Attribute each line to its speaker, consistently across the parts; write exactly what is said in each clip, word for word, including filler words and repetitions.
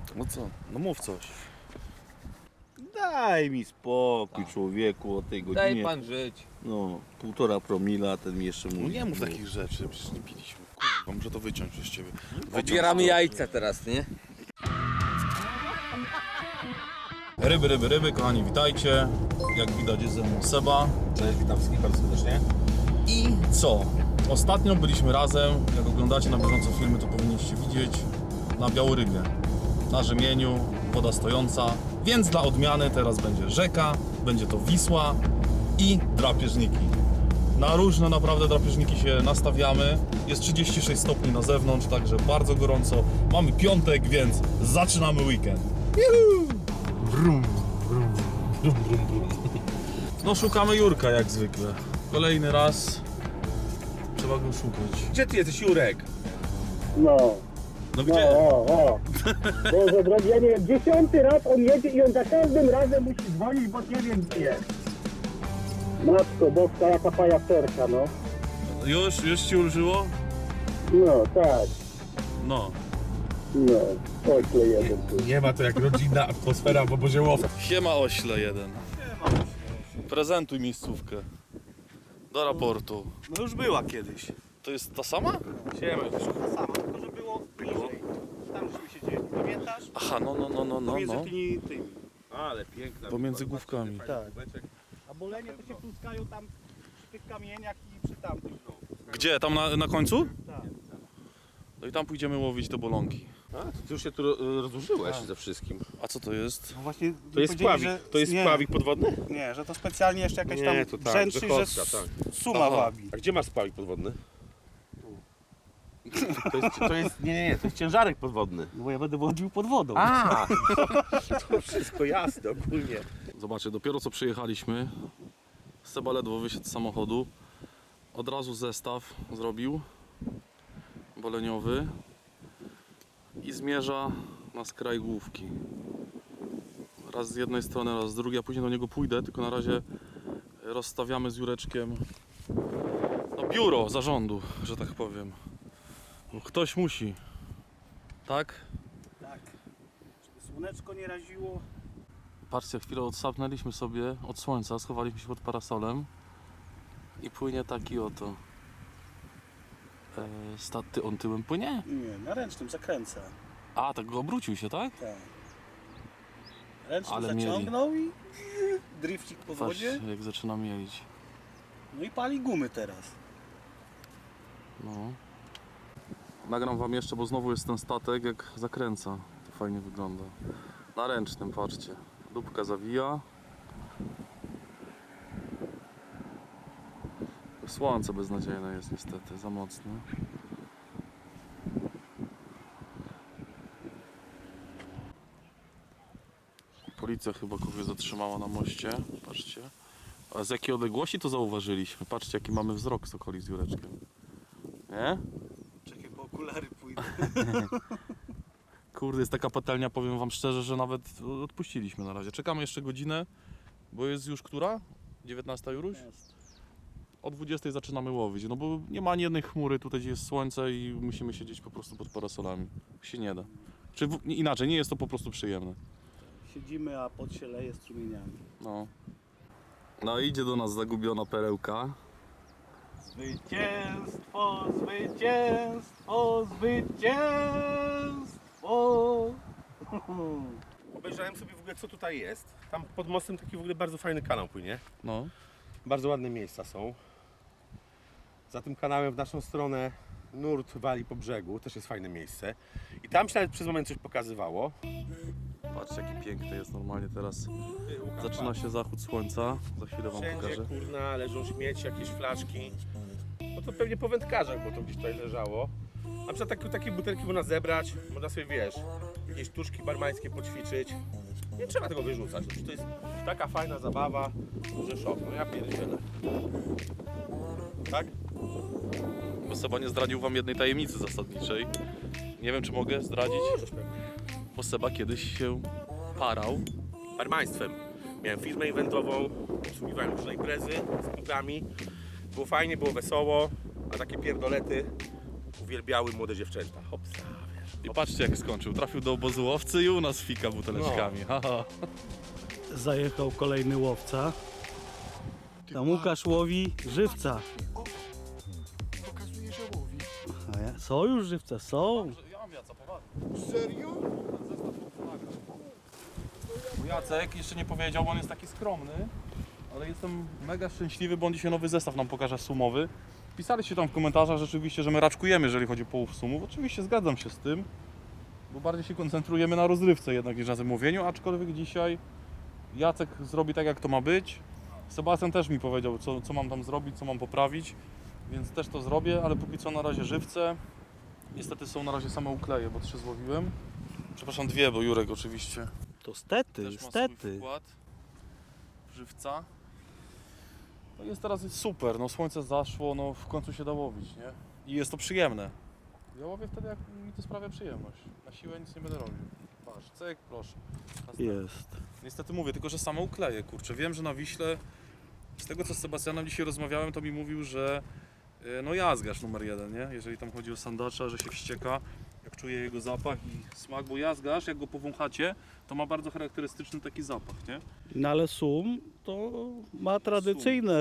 Speaker 1: No co? No mów coś.
Speaker 2: Daj mi spokój, człowieku, o tej godzinie.
Speaker 3: Daj pan żyć.
Speaker 2: No, półtora promila, a ten mi jeszcze mówi.
Speaker 1: No nie mów takich rzeczy, przecież nie piliśmy. Kurwa, muszę to wyciąć przez ciebie. Wyciąć
Speaker 3: Odbieramy
Speaker 1: to.
Speaker 3: jajca teraz, nie?
Speaker 1: Ryby, ryby, ryby, kochani, witajcie. Jak widać jest ze mną Seba.
Speaker 2: Cześć, witam wszystkich bardzo serdecznie.
Speaker 1: I co? Ostatnio byliśmy razem, jak oglądacie na bieżąco filmy, to powinniście widzieć, na Białorybie. Na rzemieniu, woda stojąca, więc dla odmiany teraz będzie rzeka, będzie to Wisła i drapieżniki. Na różne naprawdę drapieżniki się nastawiamy. Jest trzydzieści sześć stopni na zewnątrz, także bardzo gorąco. Mamy piątek, więc zaczynamy weekend. Juhu!
Speaker 2: Brum, brum, brum, brum, brum.
Speaker 1: No szukamy Jurka jak zwykle. Kolejny raz trzeba go szukać.
Speaker 2: Gdzie ty jesteś, Jurek?
Speaker 4: No,
Speaker 1: No
Speaker 4: no,
Speaker 1: gdzie?
Speaker 4: o, o. Boże drogi, ja nie wiem, dziesiąty raz on jedzie i on za każdym razem musi dzwonić, bo nie wiem gdzie jest. Matko boska, jaka pajacerka, no.
Speaker 1: Już, już ci ulżyło?
Speaker 4: No, tak,
Speaker 1: No.
Speaker 4: no. Ośle jeden tu.
Speaker 2: Nie ma to jak rodzinna atmosfera w obozie łowcy.
Speaker 1: Siema ośle jeden. Prezentuj miejscówkę. Do raportu.
Speaker 2: No już była kiedyś.
Speaker 1: To jest ta sama?
Speaker 2: Siema,
Speaker 5: Sama, tylko że było bliżej. Tam żeśmy siedzieli. Pamiętasz?
Speaker 1: Aha, no, no, no, no, no.
Speaker 5: Pomiędzy
Speaker 1: no.
Speaker 5: tymi, tymi.
Speaker 2: ale piękna.
Speaker 1: Pomiędzy główkami.
Speaker 5: Tak. A bolenie to się pluskają tam przy tych kamieniach i przy tamtych.
Speaker 1: Gdzie? Tam na, na końcu?
Speaker 5: Tak.
Speaker 1: No i tam pójdziemy łowić te bolonki.
Speaker 2: A, ty już się tu ro- rozłożyłeś ze wszystkim.
Speaker 1: A co to jest?
Speaker 5: No właśnie
Speaker 2: To jest
Speaker 5: powiedzieli,
Speaker 2: pławik,
Speaker 5: że-
Speaker 2: to jest
Speaker 5: nie,
Speaker 2: pławik podwodny?
Speaker 5: Nie, że to specjalnie jeszcze jakaś
Speaker 2: Nie,
Speaker 5: tam
Speaker 2: to tak,
Speaker 5: brzęczy,
Speaker 2: że
Speaker 5: że
Speaker 2: kostka,
Speaker 5: s-
Speaker 2: tak.
Speaker 5: suma
Speaker 1: Aha.
Speaker 5: wabi.
Speaker 2: A gdzie masz pławik podwodny? To jest, to jest, nie, nie, nie, to jest ciężarek podwodny.
Speaker 5: No bo ja będę łodził pod wodą.
Speaker 2: A, to wszystko jasne ogólnie.
Speaker 1: Zobaczcie, dopiero co przyjechaliśmy. Seba ledwo wysiadł z samochodu. Od razu zestaw zrobił boleniowy i zmierza na skraj główki. Raz z jednej strony, raz z drugiej, a później do niego pójdę, tylko na razie rozstawiamy z Jureczkiem no, biuro zarządu, że tak powiem. No, ktoś musi, tak?
Speaker 5: Tak. Żeby słoneczko nie raziło.
Speaker 1: Patrzcie, chwilę odsapnęliśmy sobie od słońca, schowaliśmy się pod parasolem i płynie taki oto e, staty, on tyłem płynie?
Speaker 5: Nie, na ręcznym zakręca.
Speaker 1: A, tak go obrócił się, tak?
Speaker 5: Tak. Ręczny
Speaker 1: Ale mieli.
Speaker 5: zaciągnął i drifcik po
Speaker 1: Patrz,
Speaker 5: wodzie.
Speaker 1: jak zaczyna mielić.
Speaker 5: No i pali gumy teraz.
Speaker 1: No. Nagram wam jeszcze, bo znowu jest ten statek, jak zakręca. To fajnie wygląda. Na ręcznym, patrzcie. Dupka zawija. Słońce beznadziejne jest niestety, za mocne. Policja chyba kogoś zatrzymała na moście. Patrzcie. A z jakiej odległości to zauważyliśmy? Patrzcie, jaki mamy wzrok z okolic z Jureczkiem. Nie?
Speaker 5: Czekaj, bo okulary pójdą.
Speaker 1: Kurde, jest taka patelnia, powiem wam szczerze, że nawet odpuściliśmy na razie. Czekamy jeszcze godzinę, bo jest już która? dziewiętnasta Juruś?
Speaker 5: Jest.
Speaker 1: O dwudziestej zaczynamy łowić, no bo nie ma ani jednej chmury, tutaj gdzie jest słońce i musimy siedzieć po prostu pod parasolami. Się nie da. Czy w, inaczej, nie jest to po prostu przyjemne.
Speaker 5: Siedzimy, a pot się leje strumieniami.
Speaker 1: No. No idzie do nas zagubiona perełka.
Speaker 5: Zwycięstwo, zwycięstwo, zwycięstwo.
Speaker 2: Obejrzałem sobie w ogóle co tutaj jest. Tam pod mostem taki w ogóle bardzo fajny kanał płynie.
Speaker 1: No.
Speaker 2: Bardzo ładne miejsca są. Za tym kanałem w naszą stronę nurt wali po brzegu, też jest fajne miejsce. I tam się nawet przez moment coś pokazywało.
Speaker 1: Patrzcie, jaki piękny jest normalnie teraz. Zaczyna się zachód słońca. Za chwilę wam
Speaker 2: Wszędzie
Speaker 1: pokażę.
Speaker 2: kurna leżą śmieci, jakieś flaszki. No to pewnie po wędkarzach, bo to gdzieś tutaj leżało. Na przykład takie, takie butelki można zebrać, można sobie, wiesz, jakieś sztuczki barmańskie poćwiczyć. Nie trzeba tego wyrzucać, to jest taka fajna zabawa, że szok, no ja pierdzielę. Tak?
Speaker 1: Bo Seba nie zdradził wam jednej tajemnicy zasadniczej. Nie wiem, czy mogę zdradzić,
Speaker 2: Możesz pewnie.
Speaker 1: bo Seba kiedyś się parał.
Speaker 2: Barmaństwem. Miałem firmę eventową, obsługiwałem różne imprezy z kumplami. Było fajnie, było wesoło, a takie pierdolety uwielbiały młode dziewczęta. Hopsa, wiesz.
Speaker 1: I patrzcie jak skończył. Trafił do obozu łowcy i u nas fika buteleczkami. Haha.
Speaker 5: Zajechał kolejny łowca. Tam Łukasz łowi żywca.
Speaker 3: Pokazuje, że łowi.
Speaker 5: A ja, są już żywce, są.
Speaker 1: Ja mam Jaca, poważnie.
Speaker 3: Serio?
Speaker 1: Jacek jeszcze nie powiedział, bo on jest taki skromny, ale jestem mega szczęśliwy, bo on dzisiaj nowy zestaw nam pokaże sumowy. Pisaliście tam w komentarzach rzeczywiście, że my raczkujemy, jeżeli chodzi o połów sumów. Oczywiście zgadzam się z tym, bo bardziej się koncentrujemy na rozrywce jednak niż na zamówieniu, aczkolwiek dzisiaj Jacek zrobi tak, jak to ma być. Sebastian też mi powiedział, co, co mam tam zrobić, co mam poprawić, więc też to zrobię, ale póki co na razie żywce. Niestety są na razie same ukleje, bo trzy złowiłem. Przepraszam, dwie, bo Jurek oczywiście
Speaker 5: To stety,
Speaker 1: też ma swój
Speaker 5: stety.
Speaker 1: wkład żywca. No jest teraz jest super, no słońce zaszło, no w końcu się da łowić, nie? I jest to przyjemne. Ja łowię wtedy, jak mi to sprawia przyjemność. Na siłę nic nie będę robił. Patrz, cyk, proszę. Następny.
Speaker 5: Jest.
Speaker 1: Niestety mówię, tylko że same ukleje, kurczę. Wiem, że na Wiśle, z tego co z Sebastianem dzisiaj rozmawiałem, to mi mówił, że y, no jazgasz numer jeden, nie? Jeżeli tam chodzi o sandacza, że się wścieka, jak czuje jego zapach i smak, bo jazgasz, jak go powąchacie, to ma bardzo charakterystyczny taki zapach, nie?
Speaker 5: No ale sum to ma tradycyjne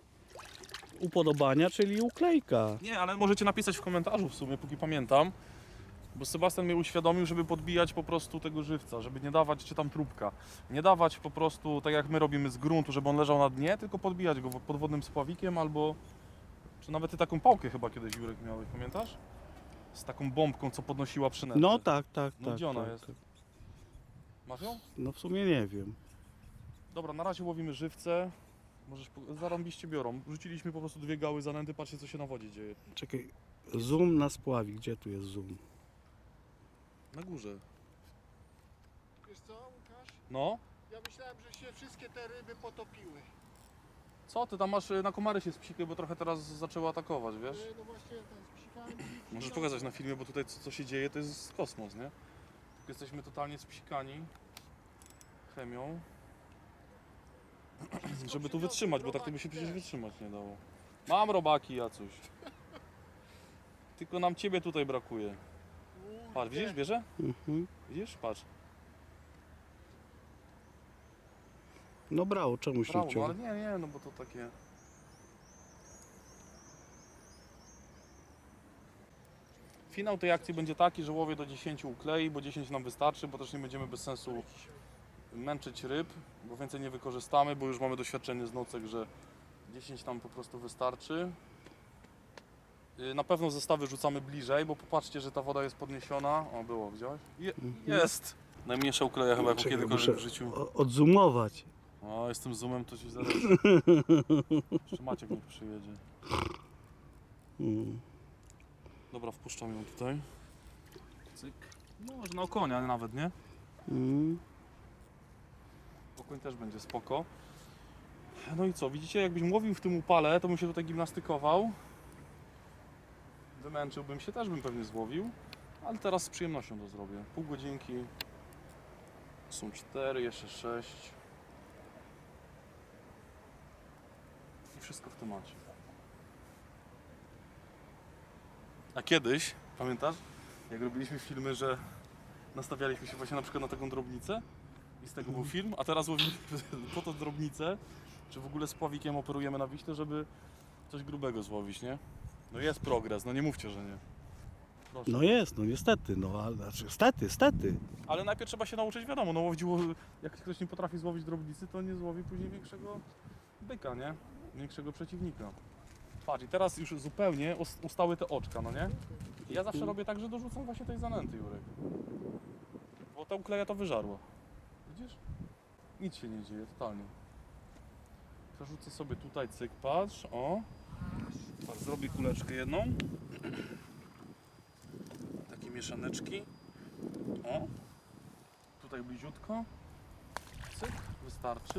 Speaker 5: upodobania, czyli uklejka.
Speaker 1: Nie, ale możecie napisać w komentarzu w sumie, póki pamiętam, bo Sebastian mnie uświadomił, żeby podbijać po prostu tego żywca, żeby nie dawać, czy tam trubka, nie dawać po prostu tak jak my robimy z gruntu, żeby on leżał na dnie, tylko podbijać go podwodnym spławikiem albo, czy nawet ty taką pałkę chyba kiedyś, Jurek, miałeś, pamiętasz? Z taką bombką, co podnosiła przynętę.
Speaker 5: No tak, tak,
Speaker 1: No
Speaker 5: tak.
Speaker 1: gdzie ona
Speaker 5: tak,
Speaker 1: jest?
Speaker 5: tak.
Speaker 1: Masz ją?
Speaker 5: No w sumie nie wiem.
Speaker 1: Dobra, na razie łowimy żywce. Możesz, po- zarąbiście biorą. Rzuciliśmy po prostu dwie gały zanęty, patrzcie co się na wodzie dzieje.
Speaker 5: Czekaj, zoom na spławik. Gdzie tu jest zoom?
Speaker 1: Na górze.
Speaker 3: Wiesz co, Łukasz?
Speaker 1: No?
Speaker 3: Ja myślałem, że się wszystkie te ryby potopiły.
Speaker 1: Co ty tam masz, y, na komary się spsikły, bo trochę teraz zaczęły atakować, wiesz?
Speaker 3: E, No właśnie, ten z psikami.
Speaker 1: Możesz pokazać na filmie, bo tutaj co, co się dzieje to jest kosmos, nie? Jesteśmy totalnie spsikani chemią. Żeby tu wytrzymać, bo tak to by się przecież wytrzymać nie dało. Mam robaki, Jacuś. Tylko nam ciebie tutaj brakuje. Patrz, widzisz, bierze?
Speaker 5: Mhm.
Speaker 1: Widzisz? Patrz.
Speaker 5: No brało, czemuś nie
Speaker 1: Brawo, no ale
Speaker 5: wciął.
Speaker 1: nie, nie, no bo to takie... Finał tej akcji będzie taki, że łowię do dziesięciu uklei, bo dziesięć nam wystarczy, bo też nie będziemy bez sensu męczyć ryb, bo więcej nie wykorzystamy, bo już mamy doświadczenie z nocek, że dziesięć nam po prostu wystarczy. Yy, Na pewno zestawy rzucamy bliżej, bo popatrzcie, że ta woda jest podniesiona. O, było, widziałeś? Je, jest! Najmniejsza ukleja chyba, jaką
Speaker 5: Czekaj,
Speaker 1: kiedykolwiek
Speaker 5: muszę
Speaker 1: w życiu.
Speaker 5: o- Odzoomować.
Speaker 1: O, jestem zoomem, to ci zaraz... Jeszcze Maciek niech przyjedzie.
Speaker 5: Mm.
Speaker 1: Dobra, wpuszczam ją tutaj. Cyk. No, może na okonia nawet, nie?
Speaker 5: Mm.
Speaker 1: Okoń też będzie spoko. No i co, widzicie, jakbyś łowił w tym upale, to bym się tutaj gimnastykował. Wymęczyłbym się, też bym pewnie złowił. Ale teraz z przyjemnością to zrobię. Pół godzinki. Są cztery, jeszcze sześć. I wszystko w temacie. A kiedyś, pamiętasz, jak robiliśmy filmy, że nastawialiśmy się właśnie na przykład na taką drobnicę i z tego był film, a teraz łowimy po to drobnicę, czy w ogóle z pławikiem operujemy na Wiśle, żeby coś grubego złowić, nie? No jest progres, no nie mówcie, że nie. Proszę.
Speaker 5: No jest, no niestety, no ale znaczy, stety, stety.
Speaker 1: Ale najpierw trzeba się nauczyć, wiadomo, no łowić, ło- jak ktoś nie potrafi złowić drobnicy, to nie złowi później większego byka, nie? Większego przeciwnika. Patrz, i teraz już zupełnie us- ustały te oczka, no nie? I ja zawsze robię tak, że dorzucam właśnie tej zanęty, Jurek. Bo ta ukleja to wyżarła. Widzisz? Nic się nie dzieje, totalnie. Przerzucę sobie tutaj, cyk, patrz, o. Patrz, zrobię kuleczkę jedną. Takie mieszaneczki. O. Tutaj bliziutko. Cyk, wystarczy.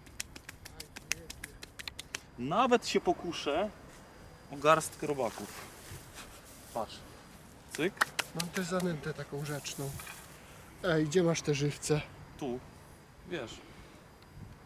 Speaker 1: Nawet się pokuszę o garstkę robaków. Patrz. Cyk.
Speaker 3: Mam też zanętę taką rzeczną. Ej, gdzie masz te żywce?
Speaker 1: Tu. Wiesz.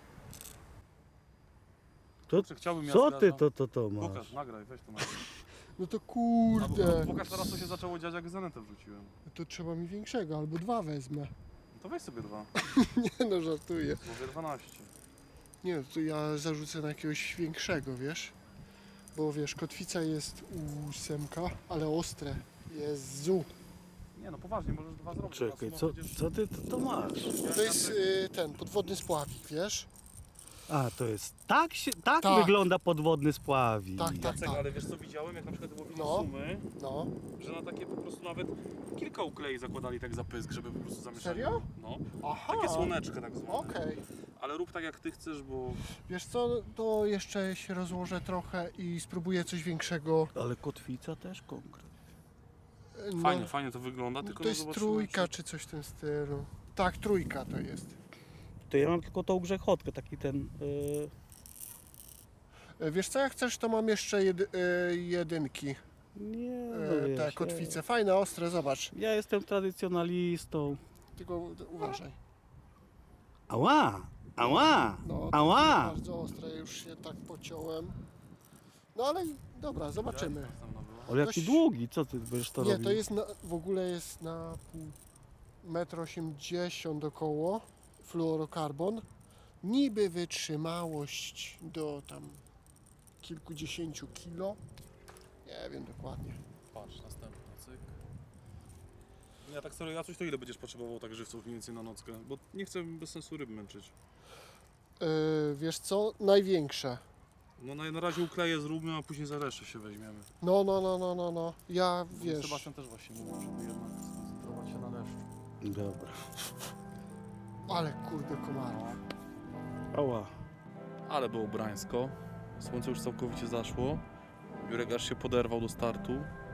Speaker 5: To,
Speaker 1: Czy chciałbym ja
Speaker 5: co ty
Speaker 1: zgadzam.
Speaker 5: to, to, to masz?
Speaker 1: Pokaż, nagraj, weź to nagraj.
Speaker 3: No to
Speaker 1: A,
Speaker 3: kurde.
Speaker 1: pokaż teraz, co się zaczęło dziać, jak zanetę wrzuciłem.
Speaker 3: To trzeba mi większego, albo dwa wezmę.
Speaker 1: No to weź sobie dwa.
Speaker 3: Nie no, żartuję.
Speaker 1: Mówię dwanaście.
Speaker 3: Nie, to ja zarzucę na jakiegoś większego, wiesz? Bo wiesz, kotwica jest ósemka, ale ostre. Jezu.
Speaker 1: Nie no, poważnie, możesz dwa zrobić.
Speaker 5: Czekaj,
Speaker 1: Raz
Speaker 5: co,
Speaker 1: będziesz-
Speaker 5: co ty to, to masz?
Speaker 3: To jest y, ten, podwodny spławik, wiesz?
Speaker 5: A, to jest, tak się, tak,
Speaker 3: Tak.
Speaker 5: wygląda podwodny spławik.
Speaker 3: Tak, tak,
Speaker 1: Jacek,
Speaker 3: tak.
Speaker 1: ale wiesz co widziałem, jak na przykład łowili
Speaker 3: No.
Speaker 1: sumy,
Speaker 3: No.
Speaker 1: że na takie po prostu nawet kilka uklei zakładali tak za pysk, żeby po prostu zamieszać.
Speaker 3: Serio?
Speaker 1: No.
Speaker 3: Aha.
Speaker 1: Takie słoneczkę tak zwane.
Speaker 3: Okej.
Speaker 1: Ale rób tak jak ty chcesz, bo
Speaker 3: Wiesz co, to jeszcze się rozłożę trochę i spróbuję coś większego.
Speaker 5: Ale kotwica też konkret.
Speaker 3: No,
Speaker 1: fajnie, fajnie to wygląda,
Speaker 3: no
Speaker 1: tylko
Speaker 3: to
Speaker 1: no
Speaker 3: jest
Speaker 1: zobaczymy,
Speaker 3: trójka czy coś w tym stylu. Tak, trójka to jest.
Speaker 5: To ja mam tylko tą grzechotkę, taki ten... Yy...
Speaker 3: E, Wiesz co, jak chcesz, to mam jeszcze jedy, e, jedynki.
Speaker 5: Nie,
Speaker 3: E,
Speaker 5: no wiesz,
Speaker 3: te kotwice. Fajne, ostre, zobacz.
Speaker 5: Ja, ja jestem tradycjonalistą.
Speaker 3: Tylko uważaj.
Speaker 5: Ała! Ała!
Speaker 3: No,
Speaker 5: Ała!
Speaker 3: bardzo ostre, już się tak pociąłem. No ale dobra, zobaczymy.
Speaker 5: Ale jaki
Speaker 3: Dość-
Speaker 5: długi, co ty będziesz to
Speaker 3: Nie,
Speaker 5: robił?
Speaker 3: to jest na, w ogóle jest na pół metr osiemdziesiąt około fluorokarbon. Niby wytrzymałość do tam kilkudziesięciu kilo. Nie wiem dokładnie.
Speaker 1: Patrz, następny cyk. Ja tak serio, ja coś to ile będziesz potrzebował tak żywców mniej więcej na nockę? Bo nie chcę bez sensu ryb męczyć.
Speaker 3: Yy, wiesz co? Największe.
Speaker 1: No na, na razie ukleję zróbmy, a później za resztę się weźmiemy.
Speaker 3: No, no, no, no, no, no. Ja wiesz.
Speaker 1: Sebastian też właśnie mówił, żeby jednak skoncentrować się na deszczu.
Speaker 5: Dobra.
Speaker 3: Ale kurde komarów.
Speaker 5: Ała.
Speaker 1: Ale było brańsko. Słońce już całkowicie zaszło. Jurek aż się poderwał do startu.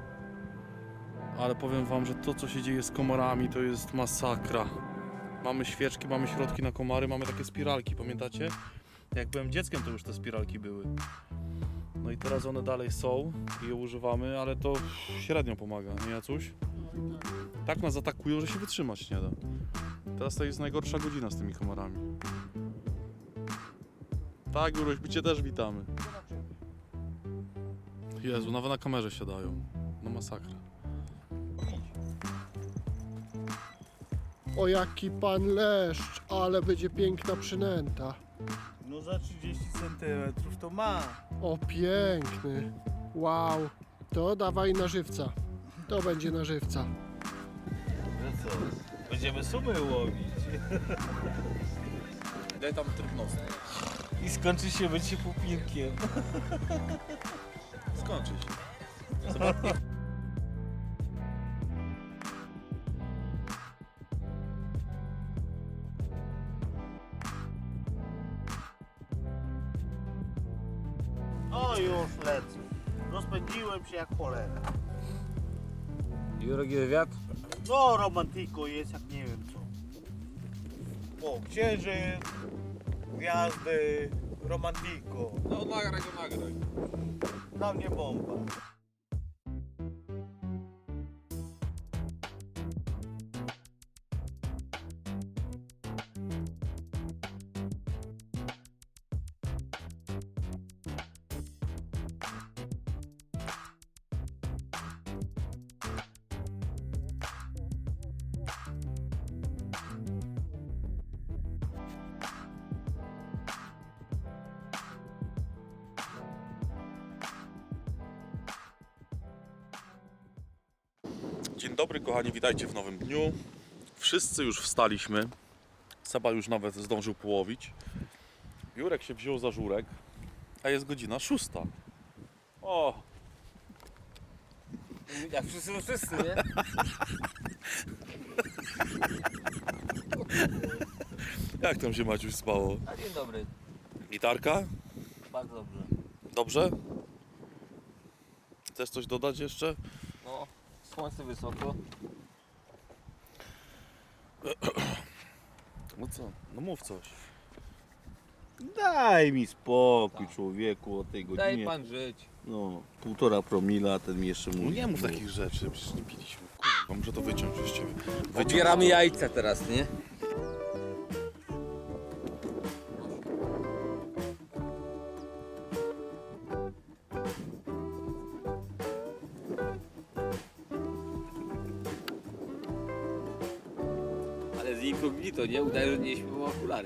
Speaker 1: Ale powiem wam, że to co się dzieje z komarami to jest masakra. Mamy świeczki, mamy środki na komary, mamy takie spiralki, pamiętacie? Jak byłem dzieckiem, to już te spiralki były. No i teraz one dalej są i je używamy, ale to średnio pomaga, nie Jacuś? Tak nas atakują, że się wytrzymać nie da. Teraz to jest najgorsza godzina z tymi komarami. Tak, Juruś, my Cię też witamy. Jezu, nawet na kamerze się dają. No masakra.
Speaker 3: O jaki pan leszcz, ale będzie piękna przynęta.
Speaker 5: No za trzydzieści centymetrów to ma.
Speaker 3: O piękny. Wow. To dawaj na żywca. To będzie na żywca.
Speaker 5: No co? Będziemy sumy łowić.
Speaker 1: Daj tam tryb nocny.
Speaker 5: I skończy się bycie pupilkiem.
Speaker 1: Skończy się. Zobacz.
Speaker 6: O już lecę. Rozpędziłem się jak cholera.
Speaker 7: Jurek i wywiad?
Speaker 6: No romantyko jest jak nie wiem co. O, księżyc, gwiazdy, romantyko.
Speaker 1: No nagraj go, nagraj.
Speaker 6: Dla mnie bomba.
Speaker 1: Dzień dobry kochani, witajcie w nowym dniu. Wszyscy już wstaliśmy. Seba już nawet zdążył połowić. Jurek się wziął za żurek, a jest godzina szósta. O!
Speaker 7: Jak wszyscy, wszyscy, nie?
Speaker 1: Jak tam się Maciuś spało?
Speaker 7: A dzień dobry,
Speaker 1: Gitarka?
Speaker 7: bardzo dobrze.
Speaker 1: Dobrze? Chcesz coś dodać jeszcze?
Speaker 7: No, słońce wysoko.
Speaker 1: No co? No mów coś.
Speaker 6: Daj mi spokój człowieku o tej
Speaker 7: Daj
Speaker 6: godzinie.
Speaker 7: pan żyć.
Speaker 6: No, półtora promila, ten mi jeszcze mówi.
Speaker 1: No nie mów takich rzeczy, przecież nie piliśmy. Kurwa, muszę to wyciąć przez ciebie. Wyciąć
Speaker 7: Odbieramy
Speaker 1: to.
Speaker 7: jajca teraz, nie? z incognito, nie? Udaje, że nie śpiewam okulary.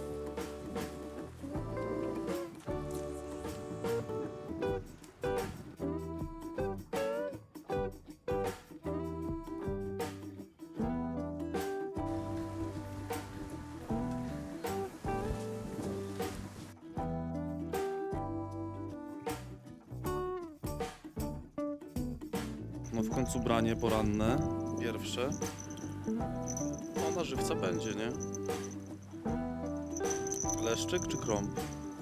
Speaker 1: No w końcu branie poranne, pierwsze. No na żywca będzie, nie? Leszczyk czy krąb?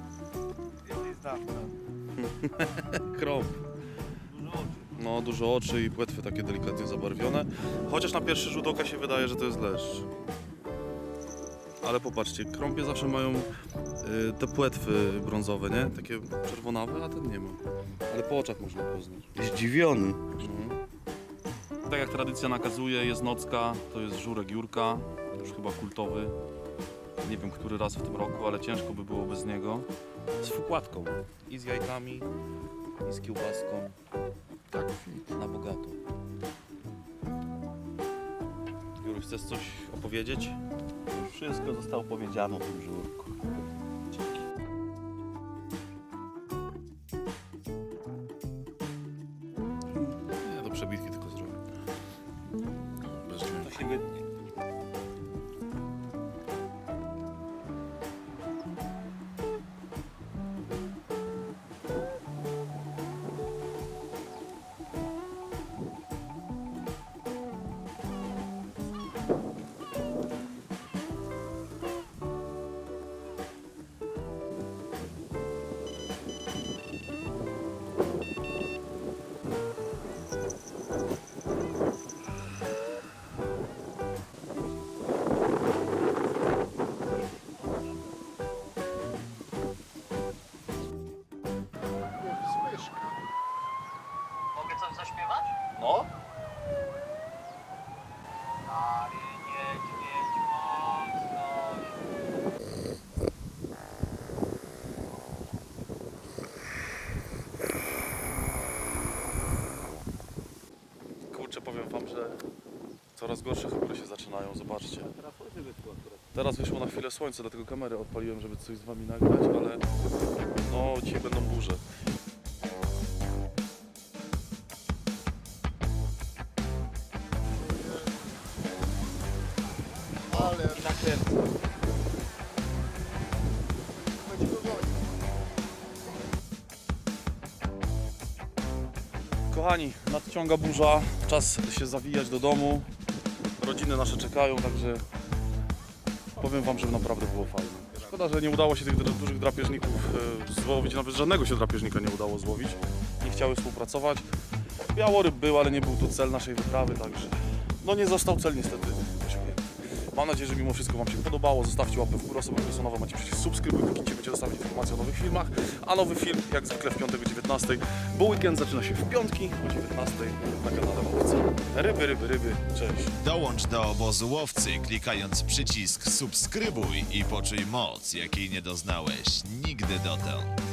Speaker 1: Krąb. No dużo oczy i płetwy takie delikatnie zabarwione. Chociaż na pierwszy rzut oka się wydaje, że to jest leszcz. Ale popatrzcie, krąpie zawsze mają y, te płetwy brązowe, nie? Takie czerwonawe, a ten nie ma. Ale po oczach można poznać.
Speaker 8: Zdziwiony.
Speaker 1: Mhm. Tak jak tradycja nakazuje, jest nocka, to jest żurek Jurka, już chyba kultowy. Nie wiem, który raz w tym roku, ale ciężko by było bez niego. Z wkładką i z jajkami, i z kiełbaską.
Speaker 3: Tak, fit.
Speaker 1: Na bogato. Juru, chcesz coś opowiedzieć?
Speaker 8: Wszystko zostało powiedziane o tym żurku.
Speaker 1: Nie, do przebitki tylko zrobię. Bez dźwięku.
Speaker 8: To się wytnie.
Speaker 3: Słyszka.
Speaker 5: Mogę coś zaśpiewać?
Speaker 1: No?
Speaker 5: Stary niedźwiedź mocno.
Speaker 1: Kurczę, powiem wam, że coraz gorsze chmury się zaczynają, zobaczcie.
Speaker 7: Teraz słońce wyszło akurat.
Speaker 1: Teraz wyszło na chwilę słońce, dlatego kamerę odpaliłem, żeby coś z wami nagrać, ale no dzisiaj będą burze.
Speaker 3: Ale
Speaker 7: Nakręcę.
Speaker 3: chodzi do woli.
Speaker 1: Kochani, nadciąga burza, czas się zawijać do domu. Rodziny nasze czekają, także powiem wam, że naprawdę było fajnie. Szkoda, że nie udało się tych dra- dużych drapieżników e, złowić, nawet żadnego się drapieżnika nie udało złowić. Nie chciały współpracować. Białoryb był, ale nie był to cel naszej wyprawy, także no nie został cel niestety osiągnięty. Mam nadzieję, że mimo wszystko wam się podobało. Zostawcie łapę w górę, osoby, które są nowe, macie przycisk subskrybuj, kliknijcie, będziecie dostawać informacje o nowych filmach. A nowy film, jak zwykle w piątek o dziewiętnastej, bo weekend zaczyna się w piątki o dziewiętnastej na kanale Łowcy. Ryby, ryby, ryby, cześć.
Speaker 9: Dołącz do obozu łowcy, klikając przycisk subskrybuj i poczuj moc, jakiej nie doznałeś nigdy dotąd.